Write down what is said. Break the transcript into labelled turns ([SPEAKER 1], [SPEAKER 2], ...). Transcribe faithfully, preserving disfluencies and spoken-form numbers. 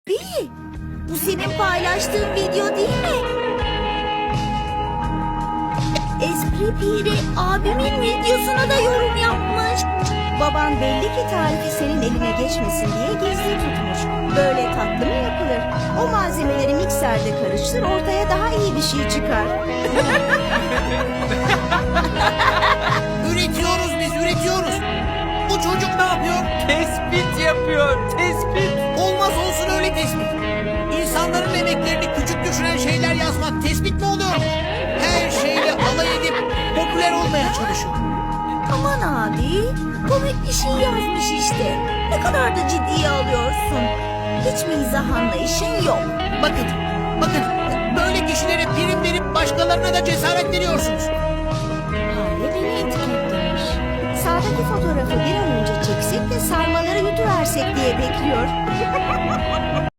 [SPEAKER 1] Billy, bu senin paylaştığın video değil mi? Espri Piri abimin videosuna da yorum yapmış. Baban belli ki tarifi senin eline geçmesin diye gizli tutmuş. Böyle tatlı mı yapılır? O malzemeleri mikserde karıştır, ortaya daha iyi bir şey çıkar.
[SPEAKER 2] Üretiyoruz biz, üretiyoruz. Bu çocuk ne yapıyor?
[SPEAKER 3] Tespit yapıyor, tespit.
[SPEAKER 2] Olmaz olsun öyle tespit. İnsanların emeklerini küçük düşüren şeyler yazmak tespit mi oluyor? Her şeyle alay edip popüler olmaya çalışıyor.
[SPEAKER 1] Aman abi, komik bir şey yazmış işte. Ne kadar da ciddiye alıyorsun. Hiç mizah anlayışın yok.
[SPEAKER 2] Bakın, bakın böyle kişilere prim verip başkalarına da cesaret veriyorsunuz.
[SPEAKER 1] Hale beni etiketlemiş. Sağdaki fotoğrafı bir an önce çeksek de sarmaları yutuversek diye bekliyor.